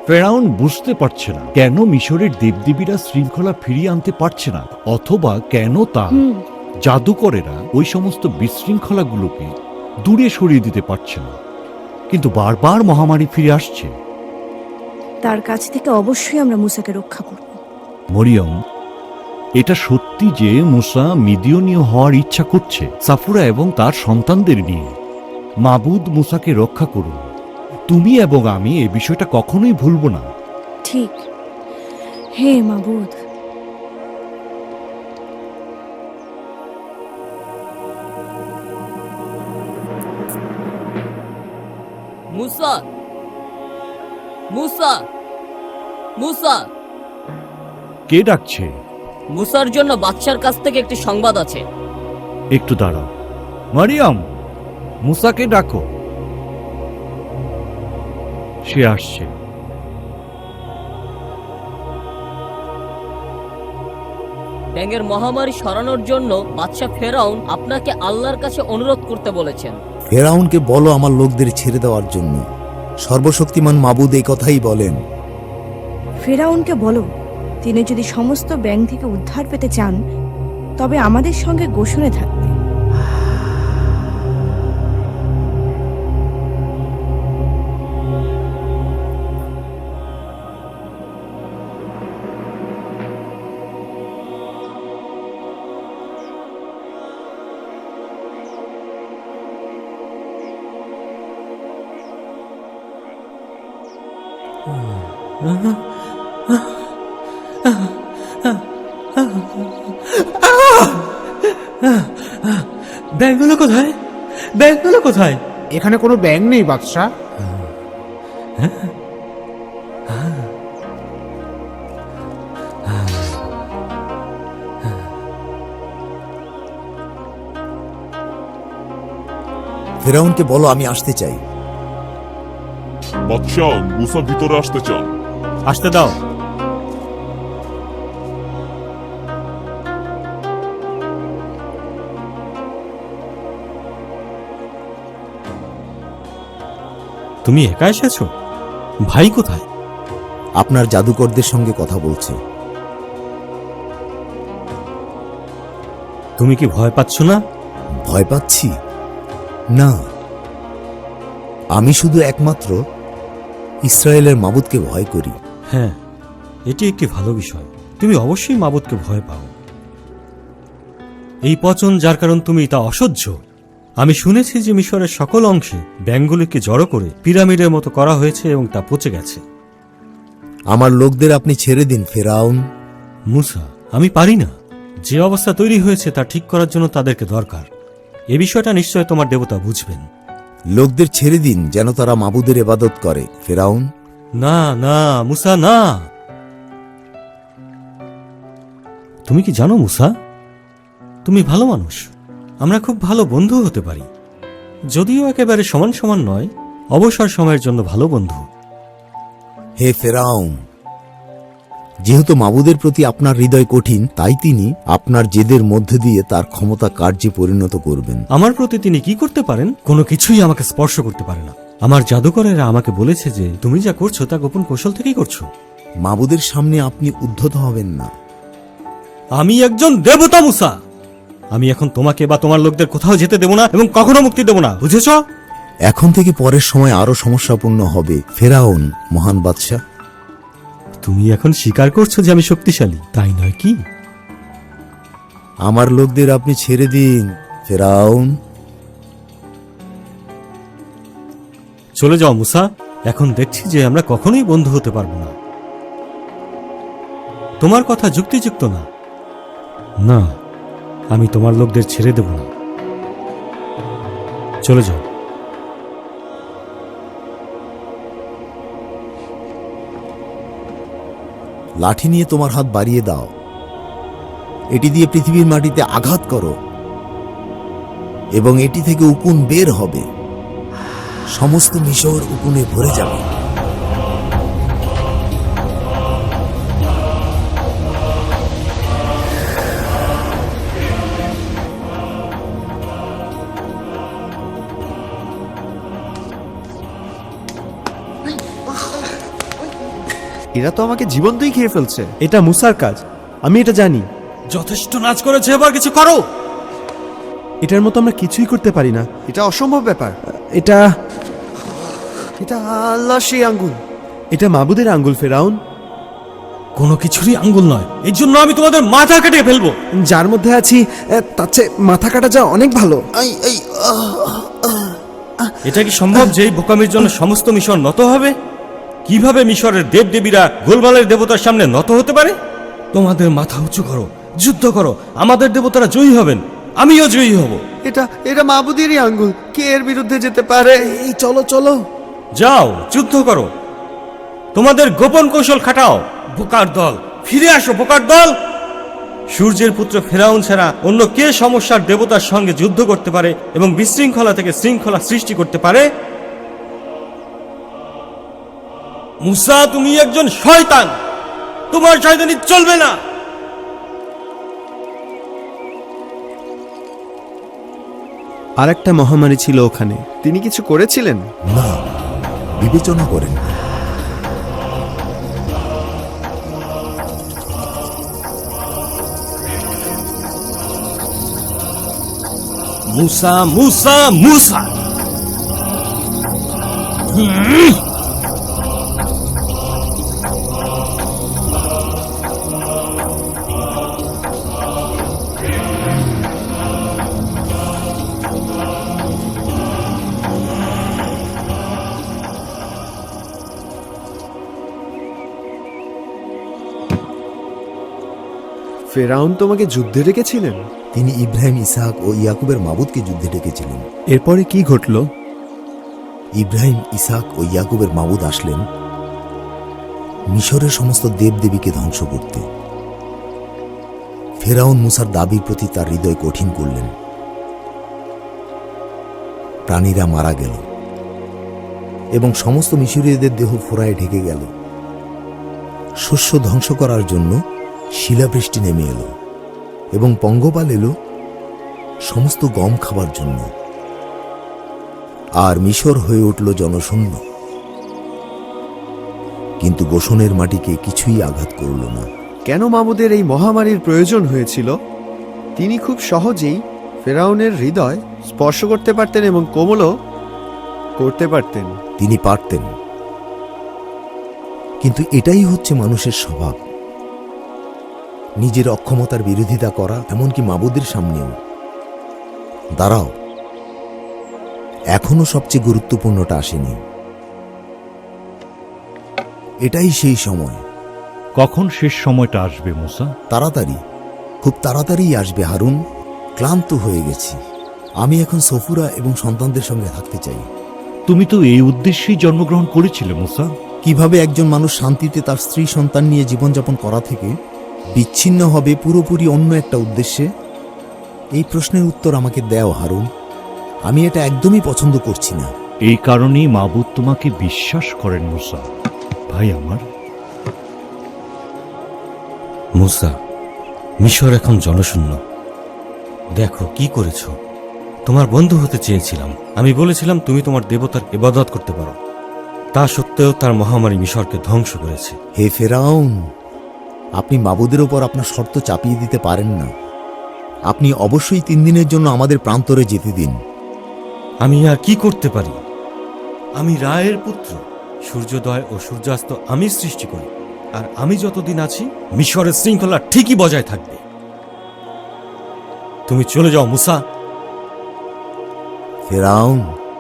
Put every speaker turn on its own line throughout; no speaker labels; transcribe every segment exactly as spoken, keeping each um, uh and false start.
ফেরাউন বুঝতে পারছে না কেন মিশরের দেবদেবীরা শৃঙ্খলা ফিরিয়ে আনতে পারছে না, অথবা কেন তা জাদুকরেরা ওই সমস্ত বিশৃঙ্খলাগুলোকে দূরে সরিয়ে দিতে পারছে না। কিন্তু বারবার মহামারী ফিরে আসছে।
তার কাছ থেকে অবশ্যই আমরা মুসাকে রক্ষা করব।
মরিয়ম, এটা সত্যি যে মুসা মিদিয়নীয় হওয়ার ইচ্ছা করছে সাফুরা এবং তার সন্তানদের নিয়ে। মাবুদ মুসাকে রক্ষা করুন। তুমি এবং আমি এ বিষয়টা কখনোই ভুলব না।
ঠিক। হে মাবুদ,
মুসা, মুসা, মুসা।
কে ডাকছে?
মুসার জন্য বাদশার কাছ থেকে একটি সংবাদ আছে।
একটু দাঁড়াও। মারিয়াম, মুসাকে ডাকো। সে আসছে।
ব্যাঙের মহামারী সরানোর জন্য বাদশা ফেরাউন আপনাকে আল্লাহর কাছে অনুরোধ করতে বলেছেন।
ফেরাউনকে বলো আমার লোকদের ছেড়ে দেওয়ার জন্য। সর্বশক্তিমান মাবুদ এই কথাই বলেন।
ফেরাউনকে বলো তিনি যদি সমস্ত ব্যাঙ থেকে উদ্ধার পেতে চান তবে আমাদের সঙ্গে গোষণে থাকতে।
ব্যাংকগুলো কোথায়? ব্যাংকগুলো কোথায়?
এখানে কোনো ব্যাঙ নেই বাদশা।
ফেরাউনকে বলো আমি আসতে চাই।
বাদশাহ, মুসা ভিতরে আসতে চান।
আসতে দাও। তুমি একা এসেছো? ভাই কোথায়?
আপনার জাদুকরদের সঙ্গে কথা বলছে।
তুমি কি ভয় পাচ্ছ না?
ভয় পাচ্ছি না, আমি শুধু একমাত্র ইসরায়েলের মাবুদকে ভয় করি।
হ্যাঁ, এটি একটি ভালো বিষয়। তুমি অবশ্যই মাবুদকে ভয় পাও। এই পচন যার কারণ তুমি তা অসহ্য। আমি শুনেছি যে মিশরের সকল অংশে ব্যাঙগুলিকে জড়ো করে পিরামিডের মতো করা হয়েছে এবং তা পচে গেছে।
আমার লোকদের আপনি ছেড়ে দিন ফেরাউন।
মুসা, আমি পারি না। যে অবস্থা তৈরি হয়েছে তা ঠিক করার জন্য তাদেরকে দরকার। এ বিষয়টা নিশ্চয় তোমার দেবতা বুঝবেন।
লোকদের ছেড়ে দিন যেন তারা মাবুদের ইবাদত করে। ফেরাউন,
না না মুসা, না। তুমি কি জানো মুসা, তুমি ভালো মানুষ। আমরা খুব ভালো বন্ধু হতে পারি, যদিও একেবারে সমান সমান নয়। অবসর সময়ের জন্য ভালো বন্ধু।
হে ফেরাউন, যেহেতু মাবুদের প্রতি আপনার হৃদয় কঠিন, তাই তিনি আপনার জেদের মধ্যে দিয়ে তার ক্ষমতা কার্যে পরিণত করবেন।
আমার প্রতি তিনি কি করতে পারেন? কোনো কিছুই আমাকে স্পর্শ করতে পারে না। আমার জাদুকরেরা আমাকে বলেছে যে তুমি যা করছো তা গোপন কৌশল থেকেই করছো।
মাবুদের সামনে আপনি উদ্ধত হবেন না।
আমি একজন দেবতা মুসা। আমি এখন তোমাকে বা তোমার লোকদের কোথাও যেতে দেব না এবং কখনো মুক্তি দেব না, বুঝেছ?
এখন থেকে পরের সময় আরো সমস্যাপূর্ণ হবে ফেরাউন মহান বাদশাহ।
তুমি এখন স্বীকার করছো যে আমি শক্তিশালী, তাই নয় কি?
আমার লোকদের আপনি ছেড়ে দিন ফেরাউন।
চলে যাও মুসা। এখন দেখছি যে আমরা কখনোই বন্ধু হতে পারবো না। তোমার কথা যুক্তিযুক্ত না। না, আমি তোমার লোকদের ছেড়ে দেব না। চলে যাও।
লাঠি নিয়ে তোমার হাত বাড়িয়ে দাও। এটি দিয়ে পৃথিবীর মাটিতে আঘাত করো এবং এটি থেকে উকুন বের হবে। সমস্ত মিশর উকুনে ভরে যাবে।
এরা তো আমাকে জীবন্তই খেয়ে ফেলছে। এটা মুসার কাজ, আমি এটা জানি।
যথেষ্ট নাচ করেছে, এবার কিছু করো।
এটার মতো আমরা কিছুই করতে পারি না। এটা অসম্ভব ব্যাপার। এটা এটা আল্লাহ সেই আঙ্গুল। এটা মাবুদের আঙ্গুল ফেরাউন।
কোনো কিছুরই আঙ্গুল নয়, এই জন্য আমি তোমাদের মাথা কেটে ফেলবো।
যার মধ্যে আছি তার চেয়ে মাথা কাটা যা অনেক ভালো।
এটা কি সম্ভব যে এই বোকামির জন্য সমস্ত মিশর নত হবে? কিভাবে মিশরের দেবদেবীরা গোলমালের দেবতার সামনে নত হতে পারে? তোমাদের মাথা উঁচু করো, যুদ্ধ করো, আমাদের দেবতারা জয়ী হবেন, আমিও জয়ী হব।
এটা এটা মাবুদেরই আঙ্গুল, কে এর বিরুদ্ধে যেতে পারে? এই চলো চলো,
যাও যুদ্ধ করো, তোমাদের গোপন কৌশল খাটাও। বোকার দল, ফিরে আসো বোকার দল। সূর্যের পুত্র ফেরাউন ছাড়া অন্য কে সমস্যার দেবতার সঙ্গে যুদ্ধ করতে পারে এবং বিশৃঙ্খলা থেকে শৃঙ্খলা সৃষ্টি করতে পারে? মুসা, তুমি একজন শয়তান, তোমার শয়তানি চলবে না।
আর একটা মহামারী ছিল ওখানে, তিনি কিছু করেছিলেন
না, বিবেচনা করেন।
মুসা, মুসা, মুসা।
ফেরাউন তোমাকে যুদ্ধে ডেকেছিলেন?
তিনি ইব্রাহিম, ইসহাক ও ইয়াকুবের মাবুদকে যুদ্ধে ডেকেছিলেন।
এরপরে কি ঘটল?
ইব্রাহিম, ইসহাক ও ইয়াকুবের মাবুদ আসলেন মিশরের সমস্ত দেবদেবীকে ধ্বংস করতে। ফেরাউন মুসার দাবির প্রতি তার হৃদয় কঠিন করলেন। প্রাণীরা মারা গেল এবং সমস্ত মিশরীয়দের দেহ ফোড়ায় ঢেকে গেল। শস্য ধ্বংস করার জন্য শিলাবৃষ্টি নেমে এলো এবং পঙ্গপাল এলো সমস্ত গম খাবার জন্য। আর মিশর হয়ে উঠল জনশূন্য। কিন্তু গোশনের মাটিকে কিছুই আঘাত করল না।
কেন মাবুদের এই মহামারীর প্রয়োজন হয়েছিল? তিনি খুব সহজেই ফেরাউনের হৃদয় স্পর্শ করতে পারতেন এবং কোমলও করতে পারতেন।
তিনি পারতেন, কিন্তু এটাই হচ্ছে মানুষের স্বভাব, নিজের অক্ষমতার বিরোধিতা করা, এমনকি মাবুদের সামনেও। দাঁড়াও, এখনো সবচেয়ে গুরুত্বপূর্ণটা আসেনি। এটাই সেই সময়।
কখন শেষ সময়টা আসবে মুসা?
তাড়াতাড়ি, খুব তাড়াতাড়ি আসবে হারুন। ক্লান্ত হয়ে গেছি। আমি এখন সফুরা এবং সন্তানদের সঙ্গে থাকতে চাই।
তুমি তো এই উদ্দেশ্যেই জন্মগ্রহণ করেছিলে মুসা।
কিভাবে একজন মানুষ শান্তিতে তার স্ত্রী সন্তান নিয়ে জীবনযাপন করা থেকে বিচ্ছিন্ন হবে পুরোপুরি অন্য একটা উদ্দেশ্যে? এই প্রশ্নের উত্তর আমাকে দাও হারুন। আমি এটা একদমই পছন্দ করছি না।
এই কারণেই মাবুদ তোমাকে বিশ্বাস করেন মুসা, ভাই আমার।
মুসা, মিশর এখন জনশূন্য। দেখো কি করেছো। তোমার বন্ধু হতে চেয়েছিলাম। আমি বলেছিলাম তুমি তোমার দেবতার ইবাদত করতে পারো। তা সত্ত্বেও তার মহামারী মিশরকে ধ্বংস করেছে।
হে ফেরাউন, আপনি মাবুদের ওপর আপনার শর্ত চাপিয়ে দিতে পারেন না। আপনি অবশ্যই তিন দিনের জন্য আমাদের প্রান্তরে যেতে দিন।
আমি আর কি করতে পারি? আমি রায়ের পুত্র। সূর্যোদয় ও সূর্যাস্ত আমি সৃষ্টি করি, আর আমি যতদিন আছি মিশরের শৃঙ্খলা ঠিকই বজায় থাকবে। তুমি চলে যাও মুসা।
ফেরাউন,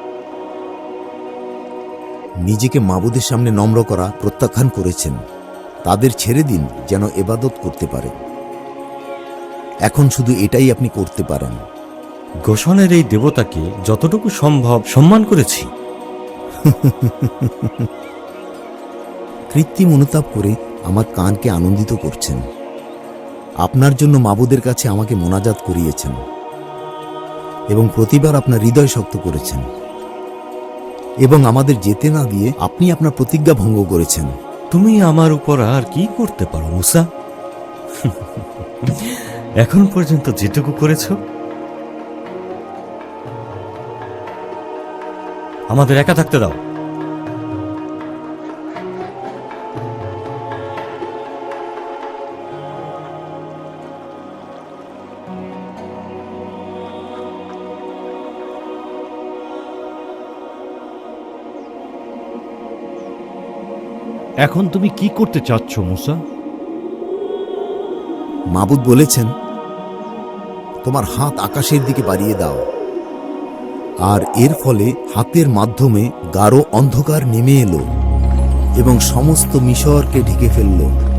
নিজেকে মাবুদের সামনে নম্র করা প্রত্যাখ্যান করেছেন। তাদের ছেড়ে দিন যেন ইবাদত করতে পারে। এখন শুধু এটাই আপনি করতে পারেন।
গোশনের এই দেবতাকে যতটুকু সম্ভব সম্মান করেছি।
কৃত্রিম অনুতাপ করে আমার কানকে আনন্দিত করছেন। আপনার জন্য মাবুদের কাছে আমাকে মোনাজাত করিয়েছেন এবং প্রতিবার আপনার হৃদয় শক্ত করেছেন, এবং আমাদের যেতে না দিয়ে আপনি আপনার প্রতিজ্ঞা ভঙ্গ করেছেন।
তুমি আমার উপর আর কি করতে পারো মুসা? এখন পর্যন্ত যেটুকু করেছ। আমাদের একা থাকতে দাও।
এখন তুমি কি করতে চাচ্ছ মুসা?
মাবুদ বলেছেন, তোমার হাত আকাশের দিকে বাড়িয়ে দাও। আর এর ফলে হাতের মাধ্যমে গাঢ় অন্ধকার নেমে এলো এবং সমস্ত মিশরকে ঢেকে ফেলল।